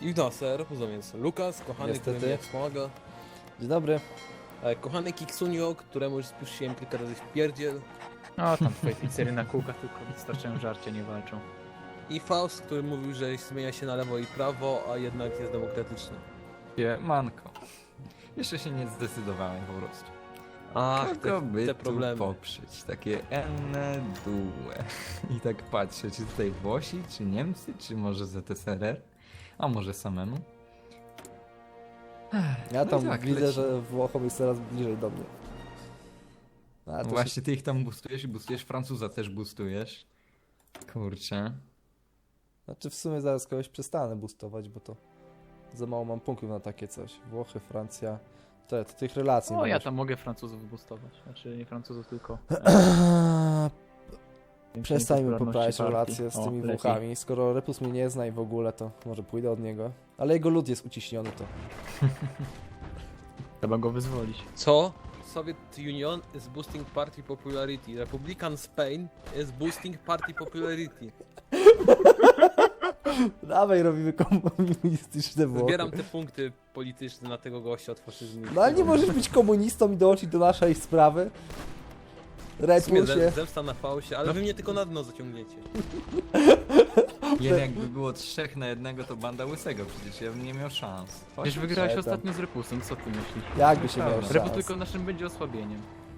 I no, ser, więc Lukas, kochany, Niestety. który mnie wspomaga. Dzień dobry. Kochany Kiksunio, któremu już spuściłem kilka razy w pierdziel. O, tam twoje pizzery na kółkach tylko wystarczają żarcia, nie walczą. I Faust, który mówił, że zmienia się na lewo i prawo, a jednak jest demokratyczny. Manko. Jeszcze się nie zdecydowałem po prostu. Ach, Kogo by te tu problemy. poprzeć? Takie enne due. I tak patrzę, czy tutaj Włosi, czy Niemcy, czy może ZSRR? A może samemu? Ja No tam i tak, widzę, lecimy. że Włochom jest coraz bliżej do mnie. A, to się... Właśnie ty ich tam boostujesz i boostujesz, Francuza też boostujesz. Kurczę. Znaczy w sumie zaraz kogoś przestanę boostować, bo to za mało mam punktów na takie coś. Włochy, Francja... To tych relacji O, nie ja masz. tam mogę Francuzów boostować. Znaczy nie Francuzów, tylko... Przestańmy popularności poprawiać partii. relacje z O, tymi lepiej. Włochami. Skoro Repus mnie nie zna i w ogóle, to może pójdę od niego. Ale jego lud jest uciśniony, to... Trzeba go wyzwolić. Co? Soviet Union is boosting party popularity. Republican Spain is boosting party popularity. Dawaj, robimy komunistyczne Włochy. Zbieram te punkty polityczne na tego gościa od faszyzmu. No ale nie możesz być komunistą i dołączyć do naszej sprawy. W sumie Repusie. zemsta na Fausie, ale wy mnie tylko na dno zaciągniecie. Jeden jakby było 3 na 1, to banda łysego, przecież ja bym nie miał szans. Przecież wygrałeś tam. ostatnio z Repusem, co ty myślisz? Jakby się miał Prawda. Repus szans. tylko naszym będzie osłabieniem.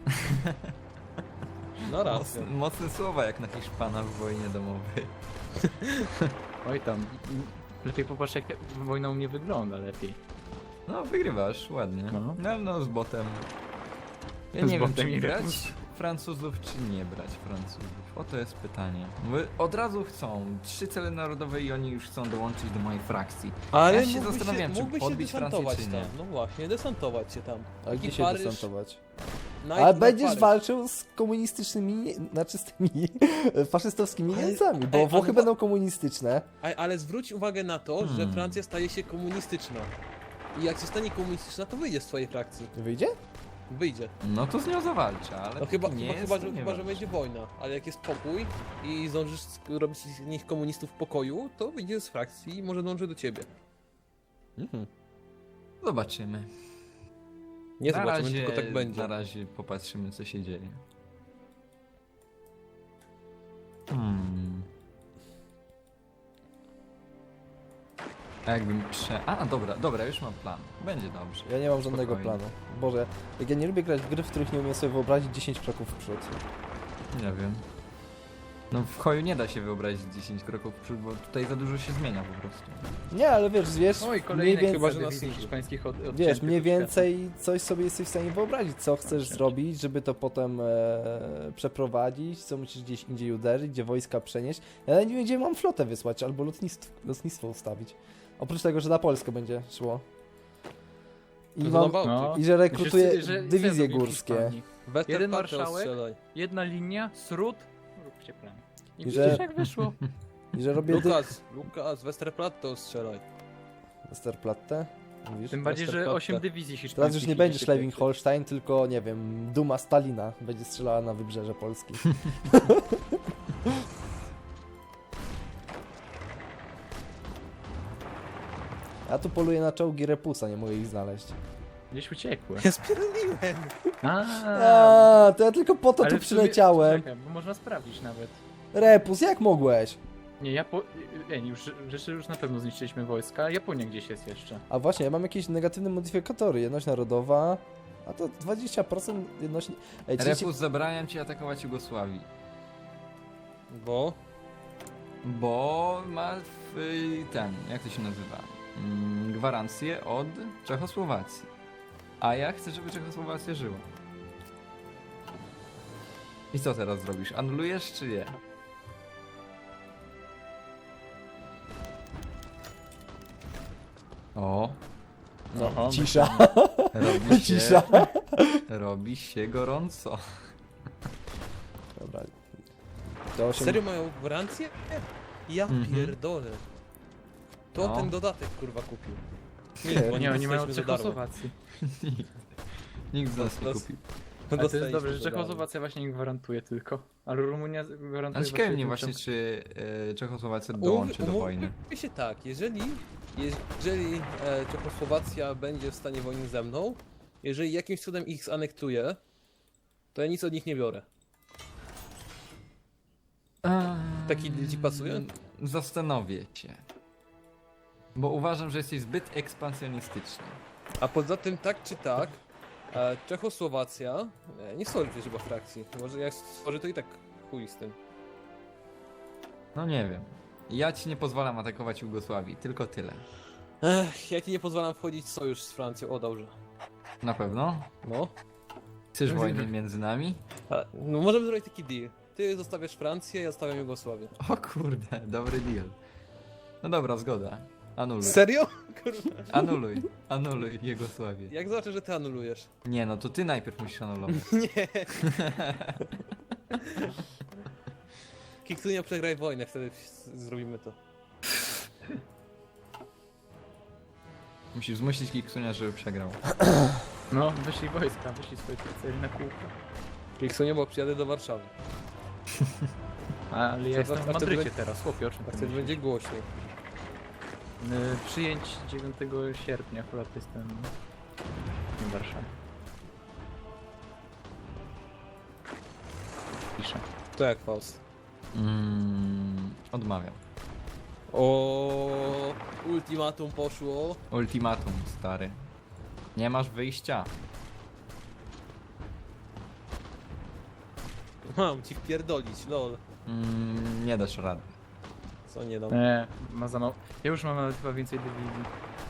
No racja. Mocne słowa jak na Hiszpana w wojnie domowej. Oj tam. Lepiej popatrz jak wojna u mnie wygląda lepiej. No, wygrywasz, ładnie. No. No, z botem. Ja Z nie wiem, botem czy i brać Repus. Francuzów, czy nie brać Francuzów. Oto jest pytanie. Bo od razu chcą 3 cele narodowe i oni już chcą dołączyć do mojej frakcji. Ale Ja się mógłbyś zastanawiam, czy mógłbyś podbić Francję, desantować czy nie. tam. No właśnie, desantować się tam. Ale Taki gdzie się Paryż, desantować? Night Ale na będziesz Paryż. walczył z komunistycznymi, znaczy z tymi faszystowskimi Ale- Niemcami, bo ej, Włochy ale- będą komunistyczne. Ale zwróć uwagę na to, że Francja staje się komunistyczna. I jak się stanie komunistyczna, to wyjdzie z twojej frakcji. Wyjdzie? Wyjdzie. No to z nią zawalczę, ale No chyba, nie chyba, jest, chyba, to że, nie chyba, że walczę. będzie wojna. Ale jak jest pokój i zdążysz robić z nich komunistów w pokoju, to wyjdzie z frakcji i może dąży do ciebie. Zobaczymy. Nie Na zobaczymy, razie, tylko tak będzie. Na razie popatrzymy, co się dzieje. A jakbym dobra, już mam plan. Będzie dobrze. Ja nie mam żadnego Spokojnie. planu. Boże, jak ja nie lubię grać w gry, w których nie umiem sobie wyobrazić 10 kroków w przód. Nie wiem. No w Hoju nie da się wyobrazić 10 kroków w przód, bo tutaj za dużo się zmienia po prostu. Nie, ale wiesz, Oj, mniej kolejny więcej, chyba, że chyba, nas dywizji nie- hiszpańskich od wiesz, mniej więcej coś sobie jesteś w stanie wyobrazić, co chcesz zrobić, żeby to potem przeprowadzić, co musisz gdzieś indziej uderzyć, gdzie wojska przenieść. Ja nawet nie wiem, gdzie mam flotę wysłać, albo lotnictwo ustawić. Oprócz tego, że na Polskę będzie szło. I, To mam, na Bałtyk. No. i że rekrutuję Myślisz, że dywizje co zrobił w górskie. Hiszpanii? Westerplatte Jeden marszałek? ostrzelaj. Jedna linia, sród, róbcie plan. I I widzisz że- jak wyszło. I że robię Lukas, Westerplatte ostrzelaj. Westerplatte. Mówisz? Tym bardziej, że Westerplatte. 8 dywizji hiszpańskich. Teraz już nie idzie będzie się Schleswig-Holstein, tylko nie wiem, Duma Stalina będzie strzelała na wybrzeże Polski. Ja tu poluję na czołgi Repusa, nie mogę ich znaleźć. Gdzieś uciekły. Ja spierdoliłem. A, to ja tylko po to Ale tu w sumie- przyleciałem. Czekaj, bo można sprawdzić nawet. Repus, jak mogłeś? Nie, już rzeczy już na pewno zniszczyliśmy wojska. Japonia gdzieś jest jeszcze. A właśnie, ja mam jakieś negatywne modyfikatory. Jedność narodowa, a to 20% jedności... Ej, 30... Repus, zabraniam ci atakować Jugosławii. Bo? Bo ma jak to się nazywa? Gwarancję od Czechosłowacji. A ja chcę, żeby Czechosłowacja żyła. I co teraz zrobisz? Anulujesz czy nie? O, No, cisza, robi się, cisza. robi się gorąco. Dobra. To 8... Serio mają gwarancję? Ja Mhm. pierdolę. To No. ten dodatek kurwa kupił. Nie, bo Nie, oni mają dostaliśmy za darmo. Czechosłowację. Nikt z nas nie Los- kupił. Ale to jest Dostaliśmy dobrze, że za darmo. Czechosłowacja właśnie im gwarantuje tylko. Ale Rumunia gwarantuje... Ale ciekawi mnie tylko- właśnie, czy Czechosłowacja dołączy do wojny. Umówmy się tak, jeżeli Jeżeli Czechosłowacja będzie w stanie wojny ze mną, jeżeli jakimś cudem ich zanektuje, to ja nic od nich nie biorę. Taki deal ci pasuje? Zastanowię się. Bo uważam, że jesteś zbyt ekspansjonistyczny. A poza tym, tak czy tak, Czechosłowacja nie stworzy przecież chyba frakcji. Może jak stworzy, to i tak chuj z tym. No nie wiem. Ja ci nie pozwalam atakować Jugosławii, tylko tyle. Ja ci nie pozwalam wchodzić w sojusz z Francją, o dobrze. Na pewno? No. Chcesz wojny między nami? No możemy zrobić taki deal. Ty zostawiasz Francję, ja zostawiam Jugosławię. O kurde, dobry deal. No dobra, zgoda. Anuluj. Serio? Kurwa. Anuluj Jugosławię. Jak zobaczę, że ty anulujesz? Nie, no to ty najpierw musisz anulować. Nie. Kiksunia przegraj wojnę, wtedy zrobimy to. Musisz zmusić Kiksunia, żeby przegrał. No, wyszli wojska, wyszli swoje cele na kółko. Kiksunia, bo przyjadę do Warszawy. Ale ja jestem a w wtedy Madrycie będzie- teraz, chłopie, o czym A ty wtedy myślisz? będzie głośniej. Przyjęć 9 sierpnia, akurat jestem w Warszawie. Piszę. To jak Faust. Odmawiam. O, ultimatum poszło. Ultimatum, stary. Nie masz wyjścia. Mam ci wpierdolić, lol. Nie dasz rady. Co nie dam. Ma za mało. Ja już mam nawet chyba więcej dywizji.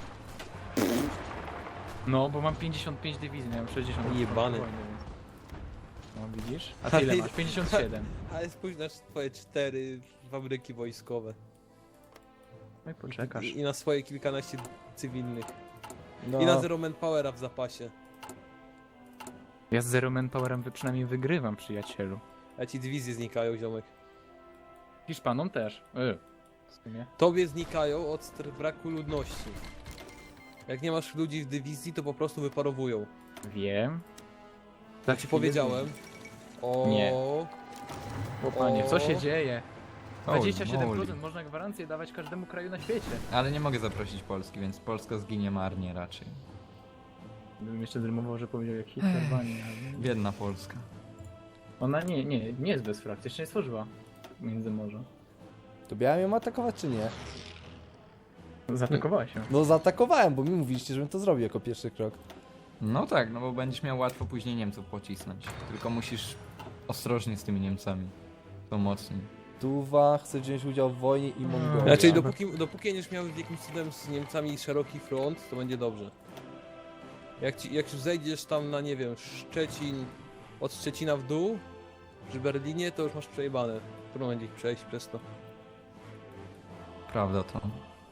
No, bo mam 55 dywizji, miałem 60. Jebany. Wojny, więc- No widzisz? A ty ile masz? 57. Ale spójrz na twoje 4 fabryki wojskowe. No i poczekasz. I na swoje kilkanaście cywilnych. No, I na Zero Manpowera w zapasie. Ja z Zero Manpowerem przynajmniej wygrywam, przyjacielu. A ci dywizje znikają, ziomek. Hiszpanom też. W sumie. Tobie znikają od braku ludności. Jak nie masz ludzi w dywizji, to po prostu wyparowują. Wiem. Tak ci powiedziałem. O. Nie. Chłopanie, co się O. dzieje? Holy 27% moly. można gwarancję dawać każdemu kraju na świecie. Ale nie mogę zaprosić Polski, więc Polska zginie marnie raczej. Gdybym jeszcze zrymował, że powiedział jak Hitlerwanie, ale... Biedna Polska. Ona nie jest bez frakcji, jeszcze nie stworzyła Międzymorza. to miałem ją atakować czy nie? Zaatakowała się. No zaatakowałem, bo mi mówiliście, żebym to zrobił jako pierwszy krok. No tak, no bo będziesz miał łatwo później Niemców pocisnąć. Tylko musisz ostrożnie z tymi Niemcami. To mocniej. Tuwa chce wziąć udział w wojnie i Mongolia. Znaczy, dopóki będziesz miał jakimś cudem z Niemcami szeroki front, to będzie dobrze. Jak już zejdziesz tam na, nie wiem, Szczecin, od Szczecina w dół, przy Berlinie, to już masz przejebane. Trudno będzie ich przejść przez to. Prawda to.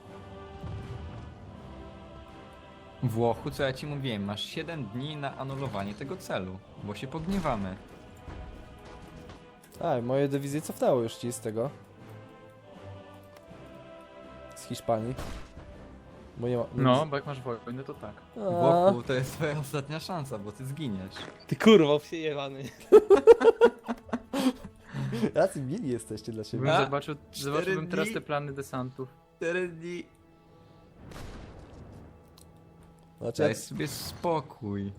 Włochu, co ja ci mówiłem, masz 7 dni na anulowanie tego celu, bo się pogniewamy. A, moje dywizje cofnęło już ci z tego. Z Hiszpanii. Bo nie ma... No, bo jak masz wojnę, to tak. A, Włochu, to jest twoja ostatnia szansa, bo ty zginiesz. Ty kurwa, przejebany. jacy mili jesteście dla siebie. Bym A, zobaczyłbym teraz dni. te plany desantów. 4 dni. Znaczy, Daj sobie spokój.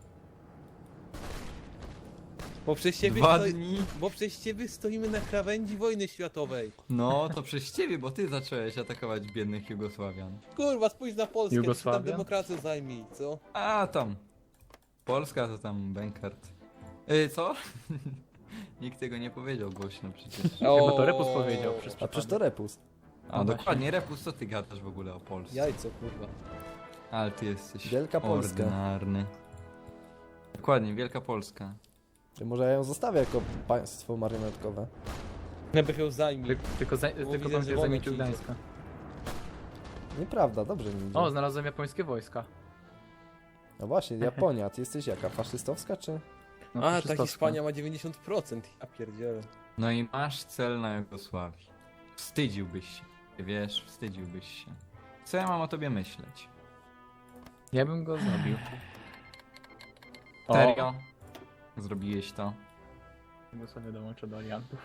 Bo przez ciebie, 2 dni. bo przez ciebie stoimy na krawędzi wojny światowej. No, to przez ciebie, bo ty zacząłeś atakować biednych Jugosławian. Kurwa, spójrz na Polskę, ty tam Jugosławia? demokrację zajmij, co? A tam. Polska to tam Benkert. Co? Nikt tego nie powiedział głośno przecież. Chyba to Repus powiedział przez a przecież to przypadek. Repus. A No dokładnie, Repus, co ty gadasz w ogóle o Polsce? Jajco, kurwa. Ale ty jesteś Wielka Polska. ordynarny. Dokładnie, Wielka Polska. Czy może ja ją zostawię jako państwo marionetkowe? Nebych ją zajmij. Tylko widzę, pan że wie wojna zajmie ci idzie. Gdańska. Nieprawda, dobrze mi idzie. O, znalazłem japońskie wojska. No właśnie, Japonia, ty jesteś jaka? Faszystowska czy? No, A, ta faszystowska. Hiszpania ma 90%. Ja pierdzielę. No i masz cel na Jugosławii. Wstydziłbyś się. Wiesz, wstydziłbyś się. Co ja mam o tobie myśleć? Ja bym go zabił. Serio? Zrobiłeś to? Jugosławia dołącza do aliantów.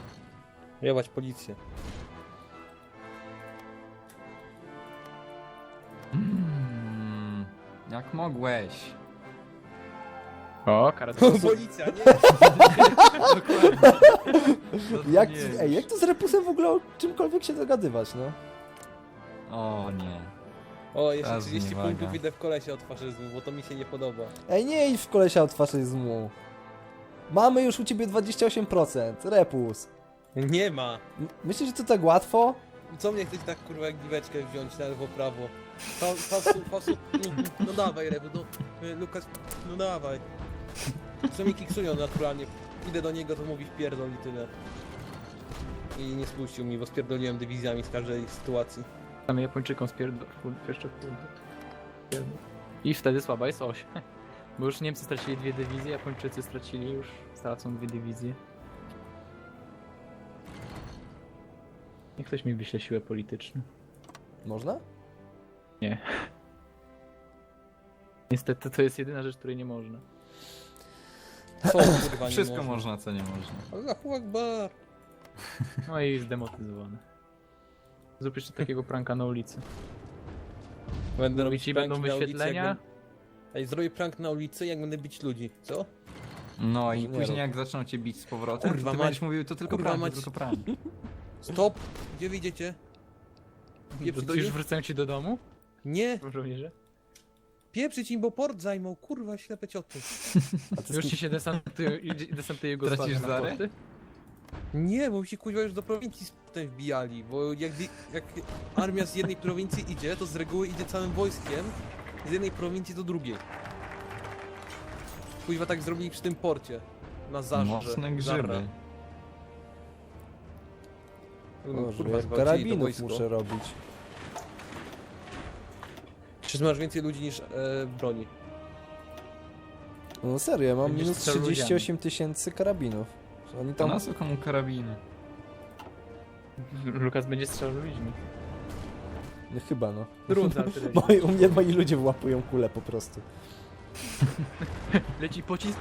Jebać policję. Jak mogłeś? O, kara do Policja, nie? Jak, ej, jak to z Repusem w ogóle o czymkolwiek się dogadywać, no? O nie. O, jeszcze Teraz 30 zniewaga. punktów idę w kolesie od faszyzmu, bo to mi się nie podoba. Ej, nie idź w kolesia od faszyzmu. Mamy już u ciebie 28%, Repus. Nie ma! Myślisz, że to tak łatwo? Co mnie chcesz tak kurwa jak giweczkę wziąć na lewo, prawo? Fasu, no dawaj Rebu, no Lukas, no dawaj. Co mi kiksują naturalnie. Idę do niego, to mówi wpierdol i tyle. I nie spuścił mi, bo spierdoliłem dywizjami z każdej sytuacji. Tam Japończykom jeszcze I wtedy słaba jest oś. Bo już Niemcy stracili 2 dywizje, Japończycy stracili już, stracą 2 dywizje. Niech ktoś mi wyśle siłę polityczną. Można? Nie. Niestety to jest jedyna rzecz, której nie można. Co kurwa nie Wszystko można, co nie można. Allahu Akbar. No i zdemotyzowane. Zrób jeszcze takiego pranka na ulicy. Będę robić Ci pranki będą na ulicy, wyświetlenia. jak Ej, zrobię prank na ulicy, jak będę bić ludzi, co? No i Nie później rób. jak zaczną cię bić z powrotem, Kurwa to ty mać. będziesz mówił, to tylko Kurwa prank, mać. to tylko prank. Stop! Gdzie wyjdziecie? Pieprzyć Już im? wracają ci do domu? Nie! Żołnierze? Pieprzyć im, bo port zajmą, kurwa, ślepe cioty. A ty Już z ci się desantuje Jugosławia Tracisz na zary? porty? Nie, bo mi się kuźwa już do prowincji potem wbijali, bo jak armia z jednej prowincji idzie, to z reguły idzie całym wojskiem z jednej prowincji do drugiej. Kuźwa tak zrobili przy tym porcie. Na Zarze. Mocne grzyby. Boże, Kurwa, jak zgwałcili to karabinów wojsko. muszę robić. Czy masz więcej ludzi niż broni? No serio, ja mam Będziesz minus strzelał 38 000 karabinów. Oni To tam... na co komu karabiny? Lukas będzie strzelał ludźmi. No, chyba no. Drut z artylerii. U mnie moi ludzie włapują kule po prostu. Leci pocisk.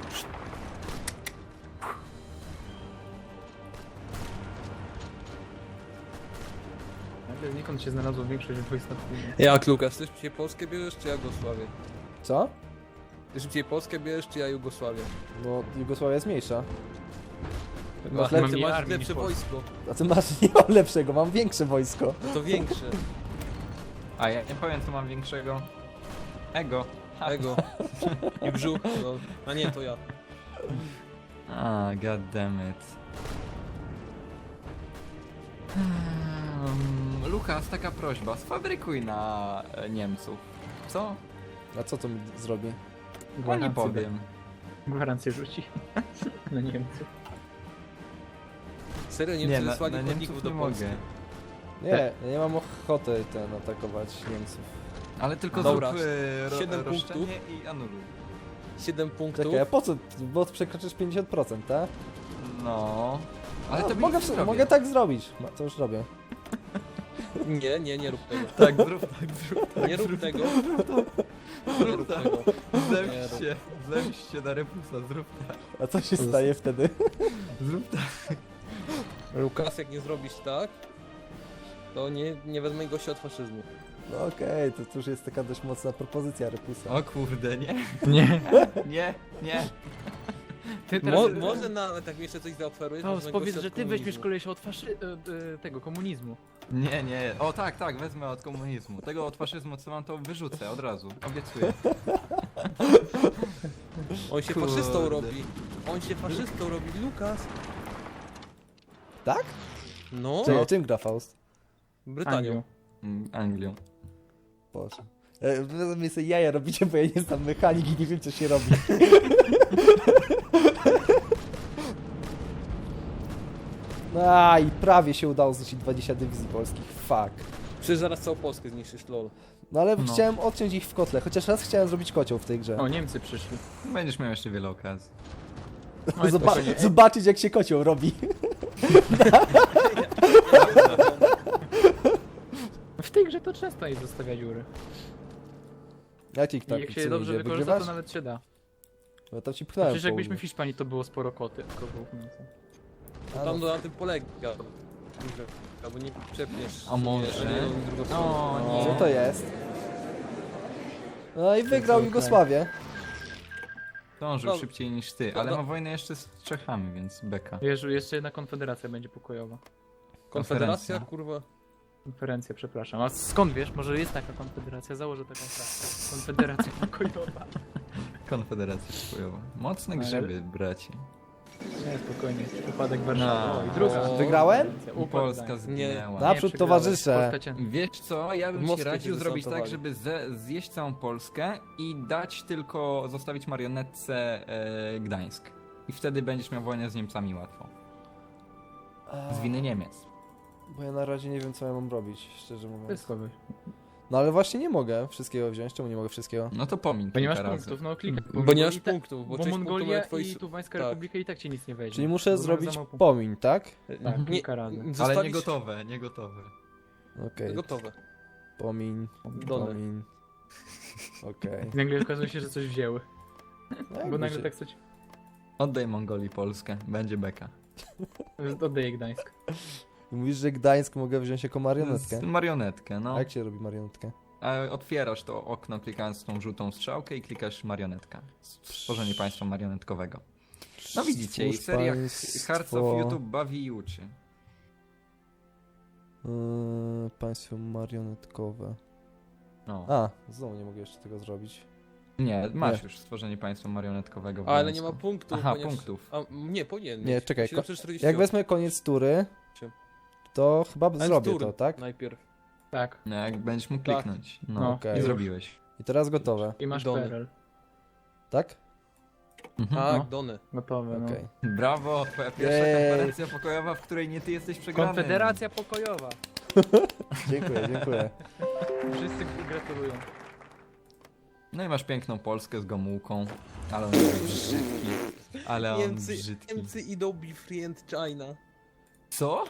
Nagle znikąd się znalazło większość wojsk na północy. Jak Lukas, ty szybciej Polskę bierzesz, czy ja Jugosławię? Co? Ty szybciej Polskę bierzesz, czy ja Jugosławię? No Jugosławia jest mniejsza. Masz mam lepsze, mniej masz armii lepsze niż Polska. wojsko, A ty masz, nie mam lepszego, mam większe wojsko. no to większe. A ja nie powiem, co mam większego. Ego. Ego. I brzuch, no. A nie, to ja. A, god damn it. Lukas, taka prośba, sfabrykuj na Niemców. Co? A co to mi zrobi? No nie powiem. Gwarancję rzuci. Na Niemców. Serio, Nie, Niemcy na wysłali Niemców chodników do nie Polski. mogę. Nie, ja nie mam ochoty atakować Niemców. Ale tylko Dobra, zrób 7 roszczenie punktów. i anuluj. 7 punktów. Czekaj, a po co? Bo przekroczysz 50%, tak? No. Ale No, to mogę tak zrobić. No, to już robię. Nie rób tego. Tak, zrób tak, zrób tak. Nie rób tego. Nie rób tak. tego. Zemść się na Repusa, zrób tak. A co się staje wtedy? Zrób tak. Lukas, jak nie zrobisz tak, to nie wezmę gościa od faszyzmu. No okej, to już jest taka dość mocna propozycja Repusa. O kurde, nie? Nie. Nie. Ty teraz... Może nawet jak mi jeszcze coś zaoferujesz, To wezmę powiedz, gościa że od ty weźmiesz komunizmu. kolesia od tego komunizmu. Nie. O tak, wezmę od komunizmu. Tego od faszyzmu, co mam, to wyrzucę od razu. Obiecuję. On się Kurde. faszystą robi. On się faszystą robi, Lukas. Tak? No, Czekaj, czym gra Faust? Brytanią. Anglią. Boże. Wy mnie sobie jaja robicie, bo ja nie znam mechanik i nie wiem co się robi. A i prawie się udało zniszczyć 20 dywizji polskich. Fuck. Przecież zaraz całą Polskę zniszczysz, lol. No ale No. chciałem odciąć ich w kotle, chociaż raz chciałem zrobić kocioł w tej grze. O, Niemcy przyszli. Będziesz miał jeszcze wiele okazji. Oj, spokojnie. Zobaczyć jak się kocioł robi. W tej grze to często jest zostawia dziury. Jak ci I tak jak się dobrze wykorzysta, to nawet się da. No to ci pchnąłem Przecież jakbyśmy południe. w Hiszpanii, to było sporo koty. A, Tam no. na tym polega. Albo nie przepniesz. A może? jedną i drugą stronę. O, nie. Co to jest? No i wygrał okej. Jugosławię. Dążył No. szybciej niż ty, ale ma wojnę jeszcze z Czechami, więc beka. Wiesz, jeszcze jedna konfederacja będzie pokojowa. Konfederacja, Konferencja. kurwa. Konferencja, przepraszam. A skąd wiesz? Może jest taka konfederacja? Założę taką klasę. Konfederacja pokojowa. Konfederacja pokojowa. Mocne Ale- grzyby, bracie. Nie, spokojnie, jest upadek Warszawy. No. O, i druga. O. Wygrałem? Upadek Polska Gdańska. zginęła. Naprzód, Nie, przegrałeś. towarzysze. Polska cię- Wiesz co, ja bym W ci Moskwie radził się zrobić tak, desantowali. żeby zjeść całą Polskę i dać tylko, zostawić marionetce Gdańsk. I wtedy będziesz miał wojnę z Niemcami łatwo. Z winy Niemiec. Bo ja na razie nie wiem, co ja mam robić, szczerze mówiąc. Wszystko wy. No ale właśnie nie mogę wszystkiego wziąć. Czemu nie mogę wszystkiego? No to pomiń Bo nie masz kilka razy. punktów, no klikaj. Bo nie masz i tak- punktów, bo Bo część punktów Mongolia ma twoi... i Tuwańska tak. Republika i tak cię nic nie weźmie. Czyli muszę Bo masz zrobić za mało punktów. pomiń, tak? Tak, Nie, kilka razy. Ale zostawić... nie gotowe, nie gotowe. Okej, Gotowe. pomiń, Done. pomiń. Okej. I nagle okazuje się, że coś wzięły. No Bo jakby nagle się- tak coś... Oddaj Mongolii Polskę, będzie beka. Oddaję Gdańsk. Mówisz, że Gdańsk mogę wziąć jako marionetkę? Marionetkę, no. A jak się robi marionetkę? A otwierasz to okno klikając tą żółtą strzałkę i klikasz marionetka. Stworzenie państwa marionetkowego. No widzicie, i Stwórz seria państwo- Hearts of YouTube bawi i uczy. Państwo marionetkowe. No. A, znowu nie mogę jeszcze tego zrobić. Nie, masz Nie. już stworzenie państwa marionetkowego w Ale nie ma Gdańsku. punktów, Aha, ponieważ... punktów. A, nie, powinien Nie, mieć. czekaj, 740. Jak wezmę koniec tury, to chyba Ale zrobię tur to, tak? Najpierw. Tak. No, jak będziesz mógł Tak. kliknąć. No, No, okej. i zrobiłeś. I teraz gotowe, I masz Dony. PRL. tak? Mhm. Tak, No. Done. Gotowe, no. Okej. Brawo, twoja pierwsza Jej. konferencja pokojowa, w której nie ty jesteś przegrany. Konfederacja pokojowa. Dziękuję, dziękuję. Wszyscy gratulują. No i masz piękną Polskę z Gomułką. Ale on jest brzydki. Ale on Niemcy, brzydki. Niemcy idą befriend China. Co?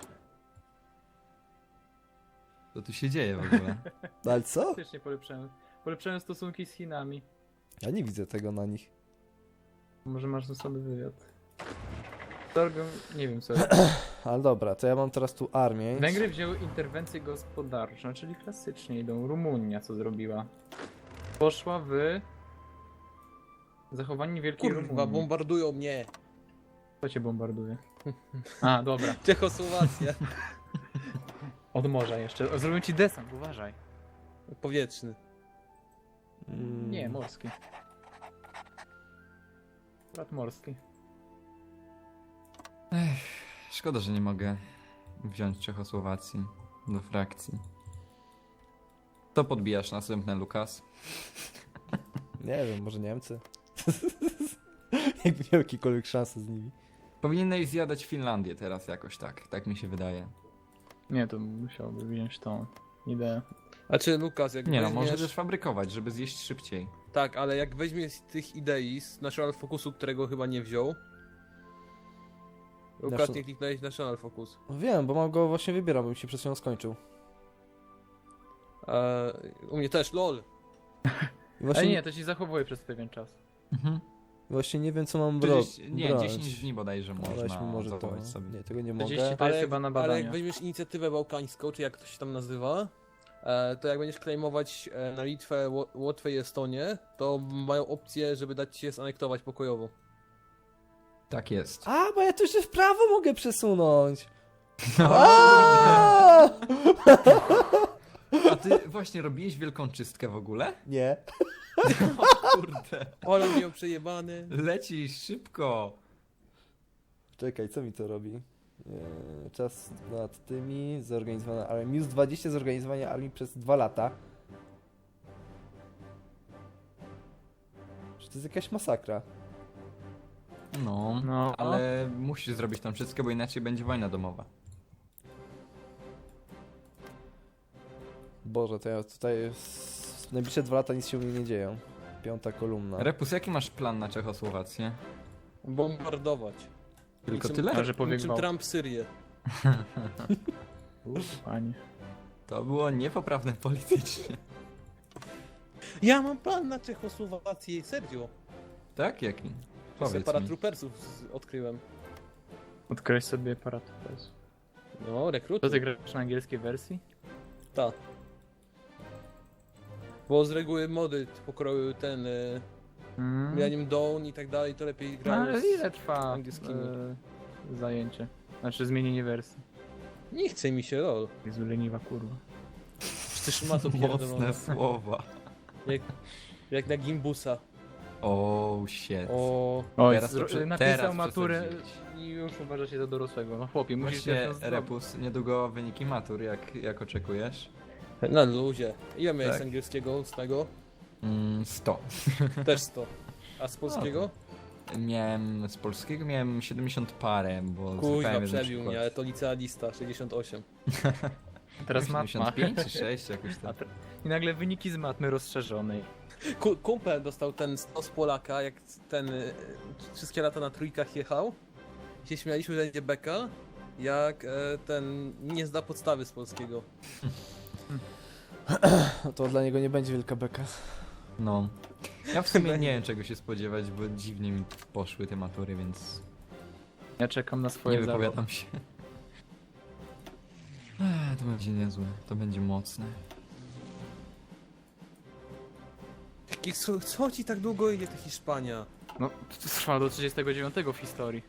Co tu się dzieje w ogóle? No ale co? Faktycznie polepszałem stosunki z Chinami. Ja nie widzę tego na nich. Może masz ze sobą wywiad. Torgom, nie wiem co. Ale dobra, to ja mam teraz tu armię. Węgry wzięły interwencję gospodarczą, czyli klasycznie idą. Rumunia co zrobiła? Poszła w zachowanie Wielkiej Kurwa, Rumunii. bombardują mnie. Kto cię bombarduje? A, dobra. Czechosłowacja. Od morza jeszcze. O, zrobią ci desant, uważaj. Powietrzny. Nie, morski. Brat morski. Szkoda, że nie mogę wziąć Czechosłowacji do frakcji. To podbijasz następne, Lukas. Nie wiem, może Niemcy. Jakby miał jakiekolwiek szanse z nimi. Powinieneś zjadać Finlandię teraz jakoś tak. Tak mi się wydaje. Nie, to musiałby wziąć tą ideę. A czy Lukas, jak Nie no, weźmiesz... możesz fabrykować, żeby zjeść szybciej. Tak, ale jak weźmiesz z tych idei z National Focusu, którego chyba nie wziął. Lukas, National- nie kliknąłeś National Focus. No wiem, bo mam go właśnie wybieram, bo mi się przed chwilą skończył. U mnie też, lol. I Ale właśnie, nie, to ci zachowuje przez pewien czas. właśnie nie wiem, co mam Nie, brać. 10 dni bodajże No, można weźmy może to. zachować sobie. Nie, tego nie 40 mogę. to jest chyba na ale badania. jak weźmiesz inicjatywę bałkańską, czy jak to się tam nazywa, to jak będziesz claimować na Litwę, Łotwę i Estonię, to mają opcję, żeby dać ci je zanektować pokojowo. Tak jest. A, bo ja tu się w prawo mogę przesunąć. No, A! A ty właśnie robiłeś wielką czystkę w ogóle? Nie. O kurde. Ole miał przejebany. Lecisz szybko. Czekaj, co mi to robi? Czas nad tymi, zorganizowana armia. Minus 20 zorganizowania armii przez 2 lata. Że to jest jakaś masakra. No, No, ale musisz zrobić tam wszystko, bo inaczej będzie wojna domowa. Boże, to ja tutaj w najbliższe 2 lata nic się u mnie nie dzieje. 5. kolumna. Repus, jaki masz plan na Czechosłowację? Bombardować. Tylko Niczym- tyle? Ale pobiegł Niczym wał. Trump Syrię. Panie. To było niepoprawne politycznie. Ja mam plan na Czechosłowację, serio. Tak? Jaki? Powiedz mi. Paratroopersów odkryłem. Odkryłeś sobie paratopes. No, rekruty. To ty grasz na angielskiej wersji? Tak. Bo z reguły mody pokroju ten Millennium Dawn i tak dalej, to lepiej No, grają ale z ile trwa angielskimi. zajęcie? Znaczy zmienienie wersji. Nie chce mi się, lol. Jezu, leniwa kurwa. Przecież ma to pierdolone. Mocne słowa. Jak na Gimbusa. Oh shit. O, Oj, Teraz to napisał teraz maturę przesadziłeś. i już uważa się za dorosłego. No chłopie, musisz Właśnie, teraz zrobić. Repus, niedługo wyniki matur, jak oczekujesz? na luzie. Ile miałeś Tak. z angielskiego, z tego? 100. Też 100. A z polskiego? Z polskiego miałem 70 parę, bo Kuźwa, złapałem jeden przebił przykład. mnie, ale to licealista, 68. Teraz matma. 75 czy 6 jakoś A tak. I nagle wyniki z matmy rozszerzonej. Kumpel dostał ten 100 z Polaka, jak ten wszystkie lata na trójkach jechał. I się śmialiśmy, że będzie beka, jak ten nie zda podstawy z polskiego. To dla niego nie będzie wielka beka. No. Ja w sumie nie wiem czego się spodziewać, bo dziwnie mi poszły te matury, więc Ja czekam na nie swoje zawody. wypowiadam się. To będzie niezłe, to będzie mocne. Co ci tak długo idzie ta Hiszpania? No, to trwa do 39 w historii.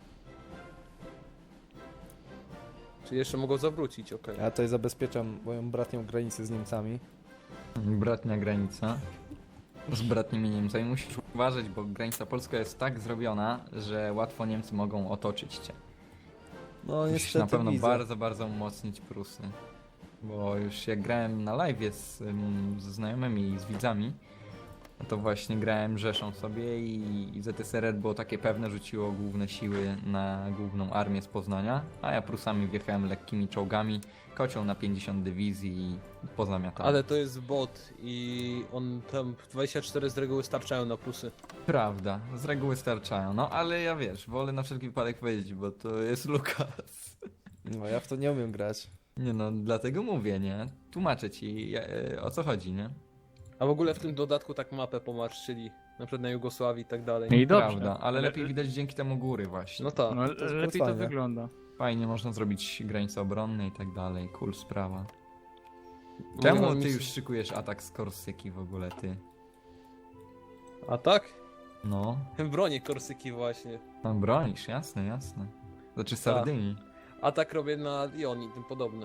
Czy jeszcze mogą zawrócić, okej. Ja tutaj zabezpieczam moją bratnią granicę z Niemcami. Bratnia granica. Z bratnimi Niemcami musisz uważać, bo granica polska jest tak zrobiona, że łatwo Niemcy mogą otoczyć cię. No Musisz niestety na pewno widzę. bardzo, bardzo umocnić Prusy. Bo już jak grałem na live ze znajomymi i z widzami, to właśnie grałem Rzeszą sobie i ZSRR było takie pewne, rzuciło główne siły na główną armię z Poznania, a ja Prusami wjechałem lekkimi czołgami, kocioł na 50 dywizji i pozamiatałem. Ale to jest bot i on tam 24 z reguły starczają na plusy. Prawda, z reguły starczają, no ale ja wiesz, wolę na wszelki wypadek powiedzieć, bo to jest Lukas. No ja w to nie umiem grać. Nie no, dlatego mówię, nie? Tłumaczę ci o co chodzi, nie? A w ogóle w tym dodatku tak mapę pomarszczyli, na przykład na Jugosławii i tak dalej. No i dobrze. Prawda, ale lepiej widać dzięki temu góry właśnie. No tak. No, jest lepiej to fajne. wygląda. Fajnie można zrobić granice obronne i tak dalej, cool sprawa. Mogę Czemu wam ty nic- już szykujesz atak z Korsyki w ogóle, ty? A tak? No, Bronię Korsyki właśnie. no bronisz, jasne, jasne. Znaczy Sardynii. Atak robię na Lyon i tym podobne.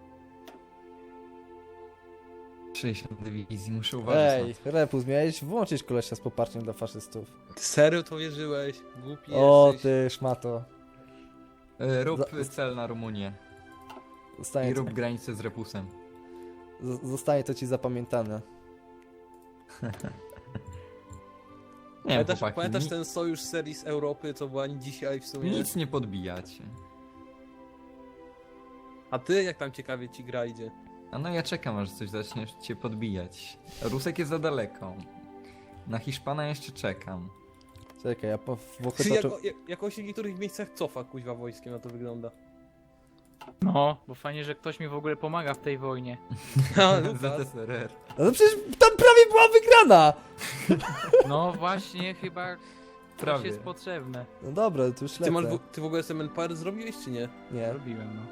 60 dywizji, muszę uważać Ej, Repus, miałeś włączyć kolesia z poparciem dla faszystów. Ty serio to wierzyłeś? Głupi O jesteś. ty szmato. Rób cel na Rumunię Zostanie, i rób granicę z Repusem. zostanie to ci zapamiętane. Nie wiem, chłopaki, Pamiętasz ten sojusz serii z Europy, co była dzisiaj w sumie? nic nie podbijacie. A ty jak tam ciekawie ci gra idzie? A no ja czekam, aż coś zaczniesz cię podbijać. Rusek jest za daleko. Na Hiszpana jeszcze czekam. Czekaj, ja Włochy Czy toczę... jakoś w niektórych miejscach cofa kuźwa wojskiem, na to wygląda. No, bo fajnie, że ktoś mi w ogóle pomaga w tej wojnie. A, Lukas. ZSRR. No przecież tam prawie była wygrana! No właśnie, chyba coś Prawie. jest potrzebne. No dobra, to już Ty, lecę. ty w ogóle SMN zrobiłeś czy nie? Nie. Robiłem, no.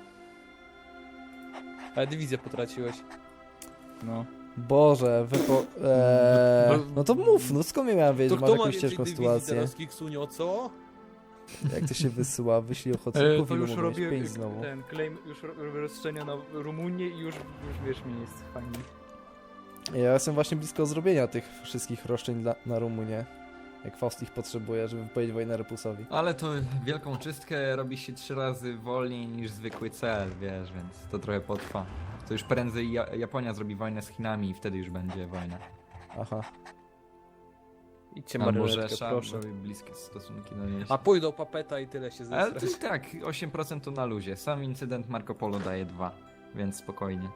Ale dywizję potraciłeś. No. Boże, no to mów, no skąd ja miałem wiedzieć, że masz jakąś ciężką sytuację? teraz, Kiksunio, co? Jak to się wysyła? Wyślij ochotników To i już mówisz robię 5 znowu. ten claim, już robię rozszerzenia na Rumunię i już wiesz, mi jest fajnie. Ja jestem właśnie blisko zrobienia tych wszystkich roszczeń na Rumunię. Jak Faust ich potrzebuje, żeby wypowiedzieć wojnę Repusowi. Ale to wielką czystkę robi się 3 razy wolniej niż zwykły cel, wiesz, więc to trochę potrwa. To już prędzej Japonia zrobi wojnę z Chinami i wtedy już będzie wojna. Aha. Idźcie Albo marionetkę, Rzesza, proszę. robi bliskie stosunki do niej. A pójdą papeta i tyle się Ale to zesrać. i tak, 8% to na luzie. Sam incydent Marco Polo daje 2, więc spokojnie.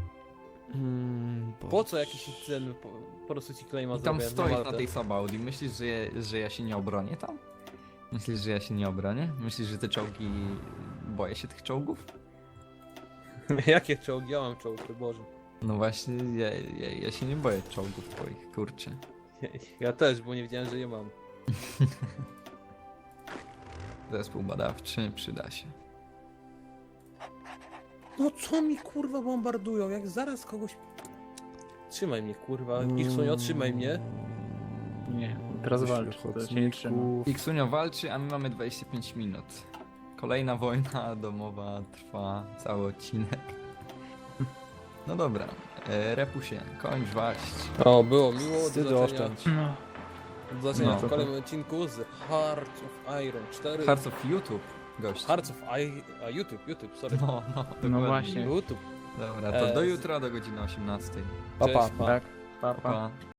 Po co jakiś incydent po prostu ci claima I tam zrobię stoisz na Maltę? tej Sabaudi. Myślisz, że ja się nie obronię tam? Myślisz, że ja się nie obronię? Myślisz, że te czołgi... Boję się tych czołgów? Jakie czołgi? Ja mam czołgi, Boże. No właśnie, ja się nie boję czołgów twoich, kurczę. Ja też, bo nie wiedziałem, że je mam. Zespół badawczy przyda się. No co mi kurwa bombardują, jak zaraz kogoś... Trzymaj mnie, kurwa. Iksunia, trzymaj mnie. Nie, teraz walcz, to się nie trzyma. Iksunio walczy, a my mamy 25 minut. Kolejna wojna domowa trwa cały odcinek. No dobra, Repusie, kończ waść. O, było miło. Do Wstydu zobaczenia, oszczędź. No, do zobaczenia No. w kolejnym odcinku z Hearts of Iron 4. Hearts of YouTube, gość. Hearts of YouTube, sorry. No, dokładnie. właśnie. YouTube. Dobra, to do jutra, do godziny 18. Pa, pa. Cześć, pa. tak, pa, pa. Pa.